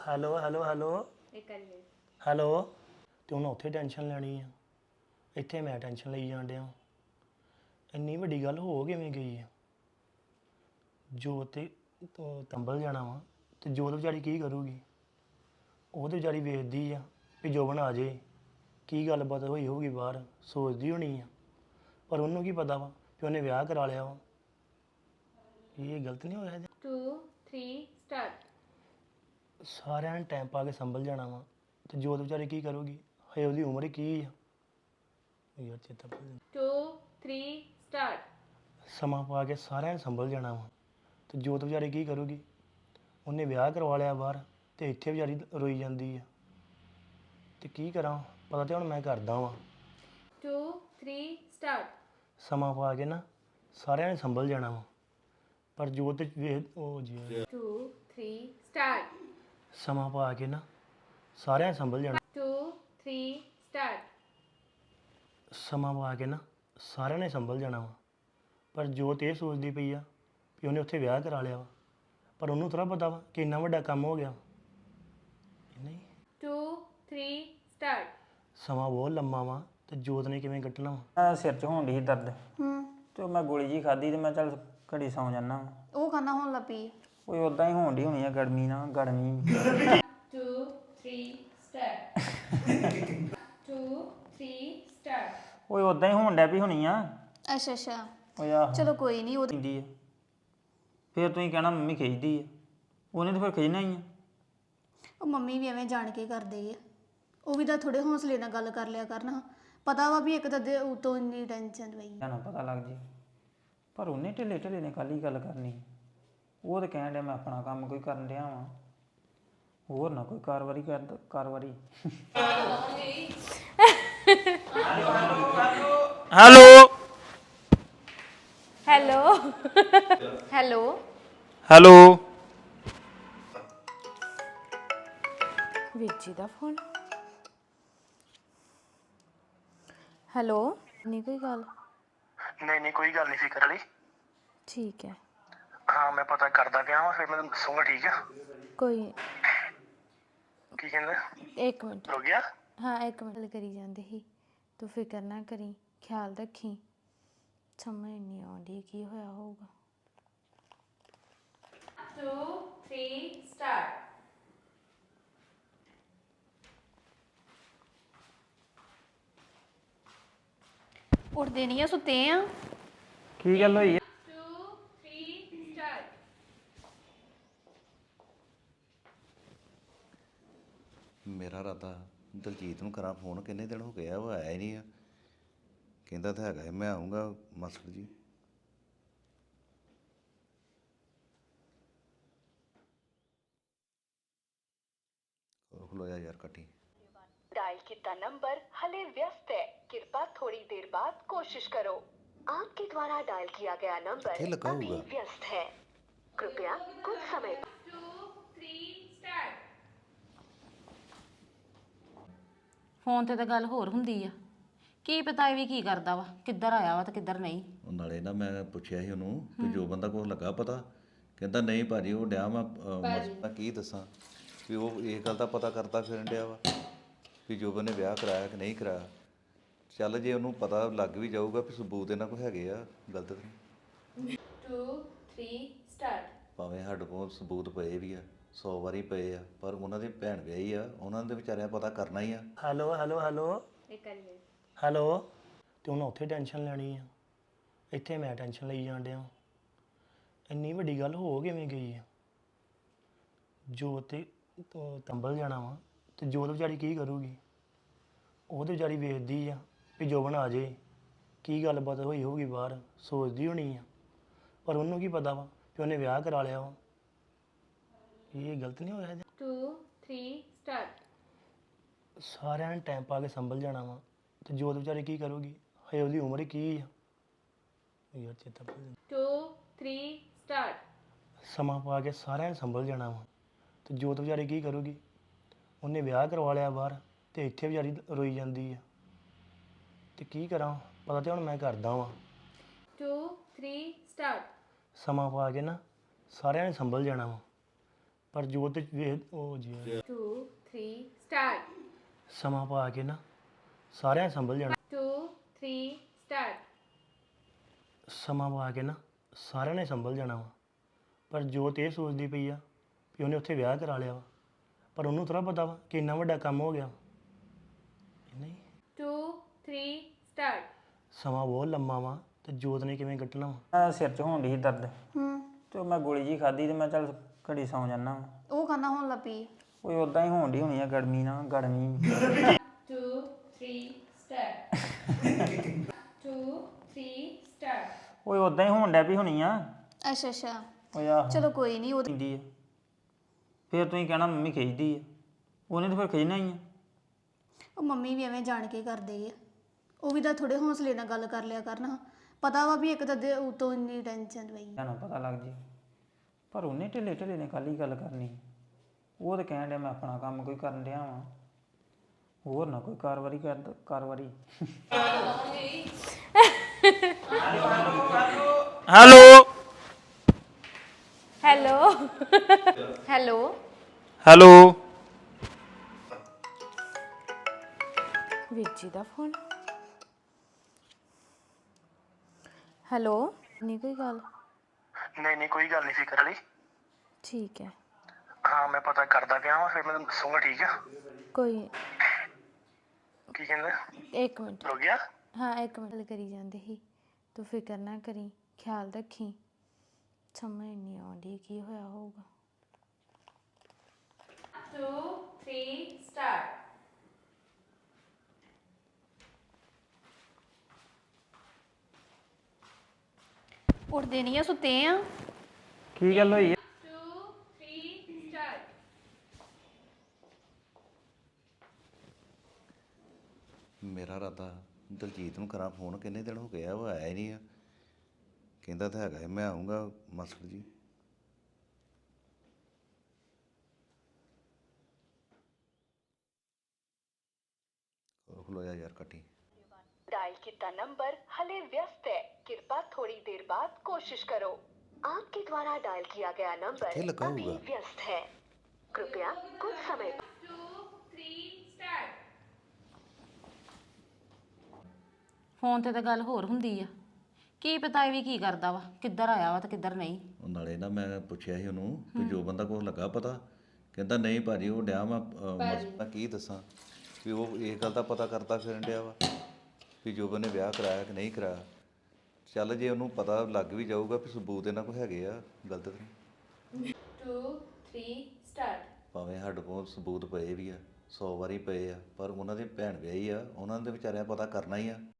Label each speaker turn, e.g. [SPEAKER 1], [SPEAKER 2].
[SPEAKER 1] Hello hello hello
[SPEAKER 2] ਇੱਕ ਵਾਰੀ
[SPEAKER 1] hello ਤੇ ਉਹਨੇ ਉੱਥੇ ਟੈਨਸ਼ਨ ਲੈਣੀ ਆ ਇੱਥੇ ਮੈਂ ਟੈਨਸ਼ਨ ਲਈ ਜਾਣ ਡਿਆ ਇੰਨੀ ਵੱਡੀ ਗੱਲ ਹੋ ਕਿਵੇਂ ਗਈ ਆ ਜੋ ਤੇ ਤੰਬਲ ਜਾਣਾ ਵਾ ਤੇ ਜੋਤ ਵਿਚਾਰੀ ਕੀ ਕਰੂਗੀ ਉਹ ਤੇ ਵਿਚਾਰੀ ਵੇਖਦੀ ਆ ਵੀ ਜੋਬਨ ਆ ਜੇ ਕੀ ਗੱਲਬਾਤ ਹੋਈ ਹੋਊਗੀ ਬਾਹਰ ਸੋਚਦੀ ਹੋਣੀ ਆ ਪਰ ਉਹਨੂੰ ਕੀ ਪਤਾ ਵਾ ਕਿ ਉਹਨੇ ਵਿਆਹ ਕਰਾ ਲਿਆ ਵਾ ਇਹ ਗਲਤ ਨਹੀਂ ਹੋਇਆ
[SPEAKER 2] 2 3 ਸਟਾਰਟ
[SPEAKER 1] ਸਾਰਿਆਂ ਨੇ ਟਾਈਮ ਪਾ ਕੇ ਸੰਭਲ ਜਾਣਾ ਵਾ ਤੇ ਜੋਤ ਵਿਚਾਰੀ ਕੀ ਕਰੂਗੀ ਹਏ ਉਹਦੀ ਉਮਰ ਹੀ ਕੀ ਆ ਯਾਰ ਚੇਤਾ ਭੁੱਲ ਜਾਂਦਾ।
[SPEAKER 2] 2 3 ਸਟਾਰਟ
[SPEAKER 1] ਸਮਾਂ ਪਾ ਕੇ ਸਾਰਿਆਂ ਨੇ ਸੰਭਲ ਜਾਣਾ ਵਾ ਤੇ ਜੋਤ ਵਿਚਾਰੀ ਕੀ ਕਰੂਗੀ ਉਹਨੇ ਵਿਆਹ ਕਰਵਾ ਲਿਆ ਬਾਹਰ ਤੇ ਇੱਥੇ ਵਿਚਾਰੀ ਰੋਈ ਜਾਂਦੀ ਆ ਤੇ ਕੀ ਕਰਾਂ ਪਤਾ ਤੇ ਹੁਣ ਮੈਂ ਕਰਦਾ ਵਾਂ
[SPEAKER 2] 2 3 ਸਟਾਰਟ
[SPEAKER 1] ਸਮਾਂ ਪਾ ਕੇ ਨਾ ਸਾਰਿਆਂ ਨੇ ਸੰਭਲ ਜਾਣਾ ਵਾ ਪਰ ਜੋਤ ਵੇਖ ਉਹ ਜੀ
[SPEAKER 2] 2 3 ਸਟਾਰਟ
[SPEAKER 1] ਸਮਾਂ ਪਾ ਕੇ ਨਾ ਸਾਰਿਆਂ ਨੇ ਸੰਭਲ ਜਾਣਾ
[SPEAKER 2] 2 3 ਸਟਾਰਟ
[SPEAKER 1] ਸਮਾਂ ਪਾ ਕੇ ਨਾ ਸਾਰਿਆਂ ਨੇ ਸੰਭਲ ਜਾਣਾ ਵਾ ਪਰ ਜੋਤ ਇਹ ਸੋਚਦੀ ਪਈ ਆ ਕਿ ਉਹਨੇ ਉੱਥੇ ਵਿਆਹ ਕਰਾ ਲਿਆ ਵਾ ਪਰ ਉਹਨੂੰ ਥੋੜਾ ਪਤਾ ਵਾ ਕਿ ਇੰਨਾ ਵੱਡਾ ਕੰਮ ਹੋ ਗਿਆ ਨਹੀਂ
[SPEAKER 2] 2 3 ਸਟਾਰਟ
[SPEAKER 1] ਸਮਾਂ ਬਹੁਤ ਲੰਮਾ ਵਾ ਤੇ ਜੋਤ ਨੇ ਕਿਵੇਂ ਕੱਟਣਾ ਵਾ
[SPEAKER 3] ਸਿਰ 'ਚ ਹੋਣ ਡਈ ਸੀ ਦਰਦ ਤੇ ਉਹ ਮੈਂ ਗੋਲੀ ਜੀ ਖਾਧੀ ਤੇ ਮੈਂ ਚੱਲ ਘੜੀ ਸੌਂ ਜਾਨਾ
[SPEAKER 4] ਉਹ ਖਾਣਾ ਹੋਣ ਲੱਪੀ
[SPEAKER 3] ਓਏ ਉਦਾਂ ਹੀ ਹੋਣ ਡਈ ਹੋਣੀ ਆ ਗਰਮੀ ਨਾਲ ਗਰਮੀ
[SPEAKER 2] 2 3 ਸਟਾਰਟ 2 3 ਸਟਾਰਟ
[SPEAKER 3] ਓਏ ਉਦਾਂ ਹੀ ਹੋਣ ਡੈ ਪਈ ਹੋਣੀ ਆ
[SPEAKER 4] ਅੱਛਾ ਅੱਛਾ
[SPEAKER 3] ਓਏ ਆਹ
[SPEAKER 4] ਚਲੋ ਕੋਈ ਨਹੀਂ ਉਹ
[SPEAKER 3] ਖਿੱਚਦੀ ਆ ਫਿਰ ਤੁਸੀਂ ਕਹਿਣਾ ਮੰਮੀ ਖਿੱਚਦੀ ਆ ਉਹਨੇ ਤਾਂ ਫਿਰ ਖਿੱਚਣਾ ਹੀ ਆ
[SPEAKER 4] ਉਹ ਮੰਮੀ ਵੀ ਐਵੇਂ ਜਾਣ ਕੇ ਕਰਦੇ ਆ ਉਹ ਵੀ ਤਾਂ ਥੋੜੇ ਹੌਸਲੇ ਨਾਲ ਗੱਲ ਕਰ ਲਿਆ ਕਰਨਾ ਪਤਾ ਵਾ ਵੀ ਇੱਕ ਤਾਂ ਦੇ ਉਤੋਂ ਇੰਨੀ ਟੈਨਸ਼ਨ ਪਈ
[SPEAKER 3] ਤੁਹਾਨੂੰ ਪਤਾ ਲੱਗ ਜੇ ਪਰ ਉਹਨੇ ਢਿੱਲੇ ਢਿੱਲੇ ਨੇ ਕੱਲ ਹੀ ਗੱਲ ਕਰਨੀ ਉਹ ਤਾਂ ਕਹਿਣ ਡਿਆ ਮੈਂ ਆਪਣਾ ਕੰਮ ਕੋਈ ਕਰਨ ਡਿਆ ਵਾਂ ਹੋਰ ਨਾ ਕੋਈ ਕਾਰਵਾਈ ਹੈਲੋ
[SPEAKER 2] ਹੈਲੋ ਹੈਲੋ
[SPEAKER 3] ਹੈਲੋ
[SPEAKER 2] ਵੀਰ ਦਾ ਫੋਨ ਹੈਲੋ ਨਹੀਂ ਕੋਈ ਗੱਲ
[SPEAKER 1] ਨਹੀਂ ਕੋਈ ਗੱਲ ਨਹੀਂ ਫਿਕਰ ਵਾਲੀ
[SPEAKER 2] ਠੀਕ ਹੈ
[SPEAKER 1] ਹਾਂ ਮੈਂ ਪਤਾ ਕਰਦਾ ਪਿਆ ਵਾਂ ਫਿਰ ਮੈਂ ਦੱਸੂਗਾ ਠੀਕ ਆ
[SPEAKER 2] ਕੋਈ
[SPEAKER 1] ਕੀ ਕਹਿੰਦਾ
[SPEAKER 2] ਇੱਕ ਮਿੰਟ
[SPEAKER 1] ਹੋ ਗਿਆ
[SPEAKER 2] ਹਾਂ ਇੱਕ ਮਿੰਟ ਗੱਲ ਕਰੀ ਜਾਂਦੇ ਸੀ ਤੂੰ ਫਿਕਰ ਨਾ ਕਰੀ ਖਿਆਲ ਰੱਖੀ ਸਮਝ ਨਹੀਂ ਆਉਂਦੀ ਕੀ ਹੋਇਆ ਹੋਊਗਾ 2 3 ਸਟਾਰਟ
[SPEAKER 4] ਉੱਠਦੇ ਨਹੀਂ ਆ ਸੁੱਤੇ ਆ
[SPEAKER 3] ਕੀ ਗੱਲ ਹੋਈ
[SPEAKER 2] 2 3 ਸਟਾਰਟ
[SPEAKER 5] ਮੇਰਾ ਇਰਾਦਾ ਦਲਜੀਤ ਨੂੰ ਕਰਾਂ ਫੋਨ ਕਿੰਨੇ ਦਿਨ ਹੋ ਗਏ ਆ ਉਹ ਆਇਆ ਹੀ ਨਹੀਂ ਆ ਕਹਿੰਦਾ ਤਾਂ ਹੈਗਾ ਮੈਂ ਆਉਂਗਾ ਮਾਸਟਰ ਜੀ ਖਲੋਇਆ ਯਾਰ ਕੱਟੀ
[SPEAKER 6] डायल किया नंबर हले व्यस्त है कृपा थोड़ी देर बाद कोशिश करो आपके द्वारा डायल किया गया नंबर
[SPEAKER 5] ये लगा
[SPEAKER 6] अभी
[SPEAKER 5] होगा।
[SPEAKER 6] व्यस्त है कृपया कुछ समय
[SPEAKER 2] 2 3 ਸਟਾਰਟ
[SPEAKER 7] ਫੋਨ ਤੇ ਤਾਂ ਗੱਲ ਹੋਰ ਹੁੰਦੀ ਆ ਕੀ ਪਤਾ ਇਹ ਵੀ ਕੀ ਕਰਦਾ ਵਾ ਕਿੱਧਰ ਆਇਆ ਵਾ ਤੇ ਕਿੱਧਰ ਨਹੀਂ
[SPEAKER 5] ਉਹ ਨਾਲੇ ਨਾ ਮੈਂ ਪੁੱਛਿਆ ਸੀ ਉਹਨੂੰ ਵੀ ਜੋ ਬੰਦਾ ਕੋਲ ਲੱਗਾ ਪਤਾ ਕਹਿੰਦਾ ਨਹੀਂ ਭਾਜੀ ਉਹ ਡਿਆ ਮੈਂ ਕੀ ਦੱਸਾਂ ਵੀ ਉਹ ਇਹ ਗੱਲ ਦਾ ਪਤਾ ਕਰਦਾ ਫਿਰਨ ਡਿਆ ਵਾ ਵੀ ਜੋਬਨ ਨੇ ਵਿਆਹ ਕਰਾਇਆ ਕਿ ਨਹੀਂ ਕਰਾਇਆ ਚੱਲ ਜੇ ਉਹਨੂੰ ਪਤਾ ਲੱਗ ਵੀ ਜਾਊਗਾ ਵੀ ਸਬੂਤ ਇਹਨਾਂ ਕੋਲ ਹੈਗੇ ਆ ਗਲਤ ਨਹੀਂ
[SPEAKER 2] 2 3 ਸਟਾਰਟ
[SPEAKER 5] ਭਾਵੇਂ ਸਾਡੇ ਕੋਲ ਸਬੂਤ ਪਏ ਵੀ ਆ 100 ਵਾਰੀ ਪਏ ਆ ਪਰ ਉਹਨਾਂ ਦੀ ਭੈਣ ਵਿਆਹੀ ਆ ਉਹਨਾਂ ਦੇ ਵਿਚਾਰਿਆਂ ਪਤਾ ਕਰਨਾ ਹੀ ਆ
[SPEAKER 1] ਹੈਲੋ ਹੈਲੋ ਹੈਲੋ
[SPEAKER 2] ਇੱਕ ਵਾਰੀ
[SPEAKER 1] ਹੈਲੋ ਤੇ ਉਹਨੇ ਉੱਥੇ ਟੈਨਸ਼ਨ ਲੈਣੀ ਆ ਇੱਥੇ ਮੈਂ ਟੈਨਸ਼ਨ ਲਈ ਜਾਣ ਡਿਆ ਇੰਨੀ ਵੱਡੀ ਗੱਲ ਹੋ ਕਿਵੇਂ ਗਈ ਆ ਜੋ ਤੇ ਤੰਬਲ ਜਾਣਾ ਵਾ ਤੇ ਜੋਤ ਵਿਚਾਰੀ ਕੀ ਕਰੂਗੀ ਉਹ ਤੇ ਵਿਚਾਰੀ ਵੇਖਦੀ ਆ ਵੀ ਜੋਬਨ ਆ ਜੇ ਕੀ ਗੱਲਬਾਤ ਹੋਈ ਹੋਊਗੀ ਬਾਹਰ ਸੋਚਦੀ ਹੋਣੀ ਆ ਪਰ ਉਹਨੂੰ ਕੀ ਪਤਾ ਵਾ ਕਿ ਉਹਨੇ ਵਿਆਹ ਕਰਾ ਲਿਆ ਵਾ ਇਹ ਗਲਤ ਨਹੀਂ ਹੋਇਆ
[SPEAKER 2] 2 3 ਸਟਾਰਟ
[SPEAKER 1] ਸਾਰਿਆਂ ਨੇ ਟਾਈਮ ਪਾ ਕੇ ਸੰਭਲ ਜਾਣਾ ਵਾ ਤੇ ਜੋਤ ਵਿਚਾਰੀ ਕੀ ਕਰੂਗੀ ਹਏ ਉਹਦੀ ਉਮਰ ਹੀ ਕੀ ਆ ਯਾਰ ਚੇਤਾ ਭੁੱਲ ਜਾਂਦਾ।
[SPEAKER 2] 2 3 ਸਟਾਰਟ
[SPEAKER 1] ਸਮਾਂ ਪਾ ਕੇ ਸਾਰਿਆਂ ਨੇ ਸੰਭਲ ਜਾਣਾ ਵਾ ਤੇ ਜੋਤ ਵਿਚਾਰੀ ਕੀ ਕਰੂਗੀ ਉਹਨੇ ਵਿਆਹ ਕਰਵਾ ਲਿਆ ਬਾਹਰ ਤੇ ਇੱਥੇ ਵਿਚਾਰੀ ਰੋਈ ਜਾਂਦੀ ਆ ਤੇ ਕੀ ਕਰਾਂ ਪਤਾ ਤੇ ਹੁਣ ਮੈਂ ਕਰਦਾ ਵਾਂ
[SPEAKER 2] 2 3 ਸਟਾਰਟ
[SPEAKER 1] ਸਮਾਂ ਪਾ ਕੇ ਨਾ ਸਾਰਿਆਂ ਨੇ ਸੰਭਲ ਜਾਣਾ ਵਾ ਪਰ ਜੋਤ ਵੇਖ ਉਹ ਜੀ
[SPEAKER 2] 2 3 ਸਟਾਰਟ
[SPEAKER 1] ਸਮਾਂ ਪਾ ਕੇ ਨਾ ਸਾਰਿਆਂ ਨੇ ਸੰਭਲ ਜਾਣਾ
[SPEAKER 2] 2 3 ਸਟਾਰਟ
[SPEAKER 1] ਸਮਾਂ ਪਾ ਕੇ ਨਾ ਸਾਰਿਆਂ ਨੇ ਸੰਭਲ ਜਾਣਾ ਵਾ ਪਰ ਜੋਤ ਇਹ ਸੋਚਦੀ ਪਈ ਆ ਵੀ ਉਹਨੇ ਉੱਥੇ ਵਿਆਹ ਕਰਾ ਲਿਆ ਵਾ ਪਰ ਉਹਨੂੰ ਥੋੜਾ ਪਤਾ ਵਾ ਕਿ ਇੰਨਾ ਵੱਡਾ ਕੰਮ ਹੋ ਗਿਆ ਨਹੀਂ
[SPEAKER 2] 2 3 ਸਟਾਰਟ
[SPEAKER 1] ਸਮਾਂ ਬਹੁਤ ਲੰਮਾ ਵਾ ਤੇ ਜੋਤ ਨੇ ਕਿਵੇਂ ਕੱਟਣਾ ਵਾ
[SPEAKER 3] ਸਿਰ 'ਚ ਹੋਣ ਡਈ ਸੀ ਦਰਦ ਤੇ ਮੈਂ ਗੋਲੀ ਜੀ ਖਾਧੀ ਤੇ ਮੈਂ ਚੱਲ ਘੜੀ ਸੌਂ ਜਾਨਾ ਵਾਂ।
[SPEAKER 4] ਉਹ ਖਾਣਾ ਹੋਣ ਲੱਗ ਪਈ
[SPEAKER 3] ਓਏ ਉਦਾਂ ਹੀ ਹੋਣ ਡਈ ਹੋਣੀ ਆ ਗਰਮੀ ਨਾਲ ਗਰਮੀ
[SPEAKER 2] 2 3 ਸਟਾਰਟ 2 3 ਸਟਾਰਟ
[SPEAKER 3] ਓਏ ਉਦਾਂ ਹੀ ਹੋਣ ਡੈ ਪਈ ਹੋਣੀ ਆ
[SPEAKER 4] ਅੱਛਾ ਅੱਛਾ
[SPEAKER 3] ਓਏ ਆਹ
[SPEAKER 4] ਚਲੋ ਕੋਈ ਨਹੀਂ ਉਹ
[SPEAKER 3] ਖਿੱਚਦੀ ਆ ਫਿਰ ਤੁਸੀਂ ਕਹਿਣਾ ਮੰਮੀ ਖਿੱਚਦੀ ਆ ਉਹਨੇ ਤਾਂ ਫਿਰ ਖਿੱਚਣਾ ਹੀ ਆ
[SPEAKER 4] ਉਹ ਮੰਮੀ ਵੀ ਐਵੇਂ ਜਾਣ ਕੇ ਕਰਦੇ ਆ ਉਹ ਵੀ ਤਾਂ ਥੋੜੇ ਹੌਸਲੇ ਨਾਲ ਗੱਲ ਕਰ ਲਿਆ ਕਰਨਾ ਪਤਾ ਵਾ ਵੀ ਇੱਕ ਤਾਂ ਉਤੋਂ ਇੰਨੀ ਟੈਨਸ਼ਨ ਪਈ
[SPEAKER 3] ਤੁਹਾਨੂੰ ਪਤਾ ਲੱਗ ਜੇ ਪਰ ਉਹਨੇ ਢਿੱਲੇ ਢਿੱਲੇ ਨੇ ਕੱਲ ਹੀ ਗੱਲ ਕਰਨੀ ਉਹ ਤਾਂ ਕਹਿਣ ਡਿਆ ਮੈਂ ਆਪਣਾ ਕੰਮ ਕੋਈ ਕਰਨ ਡਿਆ ਵਾਂ ਹੋਰ ਨਾ ਕੋਈ ਕਾਰਵਾਈ ਕਾਰਵਾਈ
[SPEAKER 1] ਹੈਲੋ
[SPEAKER 2] ਹੈਲੋ ਹੈਲੋ
[SPEAKER 1] ਹੈਲੋ
[SPEAKER 2] ਵੀਰ ਜੀ ਦਾ ਫੋਨ ਹੈਲੋ ਨਹੀਂ ਕੋਈ ਗੱਲ
[SPEAKER 1] ਨਹੀਂ ਕੋਈ ਗੱਲ ਨਹੀਂ ਫਿਕਰ ਵਾਲੀ
[SPEAKER 2] ਠੀਕ ਹੈ
[SPEAKER 1] ਹਾਂ ਮੈਂ ਪਤਾ ਕਰਦਾ ਪਿਆ ਹਾਂ ਫਿਰ ਮੈਂ ਤੁਹਾਨੂੰ ਦੱਸੂਗਾ ਠੀਕ ਆ
[SPEAKER 2] ਕੋਈ
[SPEAKER 1] ਕੀ ਕਹਿੰਦਾ
[SPEAKER 2] ਇੱਕ ਮਿੰਟ
[SPEAKER 1] ਹੋ ਗਿਆ
[SPEAKER 2] ਹਾਂ ਇੱਕ ਮਿੰਟ ਗੱਲ ਕਰੀ ਜਾਂਦੇ ਸੀ ਤੂੰ ਫਿਕਰ ਨਾ ਕਰੀ ਖਿਆਲ ਰੱਖੀ ਸਮਝ ਨਹੀਂ ਆਉਂਦੀ ਕੀ ਹੋਇਆ ਹੋਊਗਾ 2 3 ਸਟਾਰਟ
[SPEAKER 4] ਉੱਠਦੇ ਨਹੀਂ ਆ ਸੁੱਤੇ ਆ
[SPEAKER 3] ਕੀ ਗੱਲ ਹੋਈ
[SPEAKER 2] 2 3 ਸਟਾਰਟ
[SPEAKER 5] ਮੇਰਾ ਰਾਤਾ ਦਲਜੀਤ ਨੂੰ ਕਰਾਂ ਫੋਨ ਕਿੰਨੇ ਦਿਨ ਹੋ ਗਏ ਆ ਉਹ ਆਇਆ ਹੀ ਨਹੀਂ ਆ ਕਹਿੰਦਾ ਤਾਂ ਹੈਗਾ ਮੈਂ ਆਉਂਗਾ ਮਾਸਟਰ ਜੀ ਉਹ ਖਲੋਇਆ ਯਾਰ ਕੱਟੀ
[SPEAKER 6] डायल किया नंबर हले व्यस्त है कृपा थोड़ी देर बाद कोशिश करो आपके द्वारा डायल किया गया
[SPEAKER 5] किथे
[SPEAKER 6] नंबर
[SPEAKER 5] लगा
[SPEAKER 6] अभी
[SPEAKER 5] होगा?
[SPEAKER 6] व्यस्त है कृपया कुछ समय
[SPEAKER 2] 2 3 ਸਟਾਰਟ
[SPEAKER 7] ਫੋਨ ਤੇ ਤਾਂ ਗੱਲ ਹੋਰ ਹੁੰਦੀ ਆ ਕੀ ਪਤਾ ਇਹ ਵੀ ਕੀ ਕਰਦਾ ਵਾ ਕਿੱਧਰ ਆਇਆ ਵਾ ਤੇ ਕਿੱਧਰ ਨਹੀਂ
[SPEAKER 5] ਉਹ ਨਾਲੇ ਨਾ ਮੈਂ ਪੁੱਛਿਆ ਸੀ ਉਹਨੂੰ ਕਿ ਜੋ ਬੰਦਾ ਕੋਲ ਲੱਗਾ ਪਤਾ ਕਹਿੰਦਾ ਨਹੀਂ ਭਾਜੀ ਉਹ ਡਿਆ ਮੈਂ ਕੀ ਦੱਸਾਂ ਵੀ ਉਹ ਇਹ ਗੱਲ ਦਾ ਪਤਾ ਕਰਦਾ ਫਿਰਨ ਡਿਆ ਵਾ ਵੀ ਜੋ ਨੇ ਵਿਆਹ ਕਰਾਇਆ ਕਿ ਨਹੀਂ ਕਰਾਇਆ ਚੱਲ ਜੇ ਉਹਨੂੰ ਪਤਾ ਲੱਗ ਵੀ ਜਾਊਗਾ ਵੀ ਸਬੂਤ ਇਹਨਾਂ ਕੋਲ ਹੈਗੇ ਆ ਗਲਤ ਨਹੀਂ
[SPEAKER 2] 2 3 ਸਟਾਰਟ
[SPEAKER 5] ਭਾਵੇਂ ਸਾਡੇ ਕੋਲ ਸਬੂਤ ਪਏ ਵੀ ਆ 100 ਵਾਰੀ ਪਏ ਆ ਪਰ ਉਹਨਾਂ ਦੀ ਭੈਣ ਵਿਆਹੀ ਆ ਉਹਨਾਂ ਦੇ ਵਿਚਾਰਿਆਂ ਪਤਾ ਕਰਨਾ ਹੀ ਆ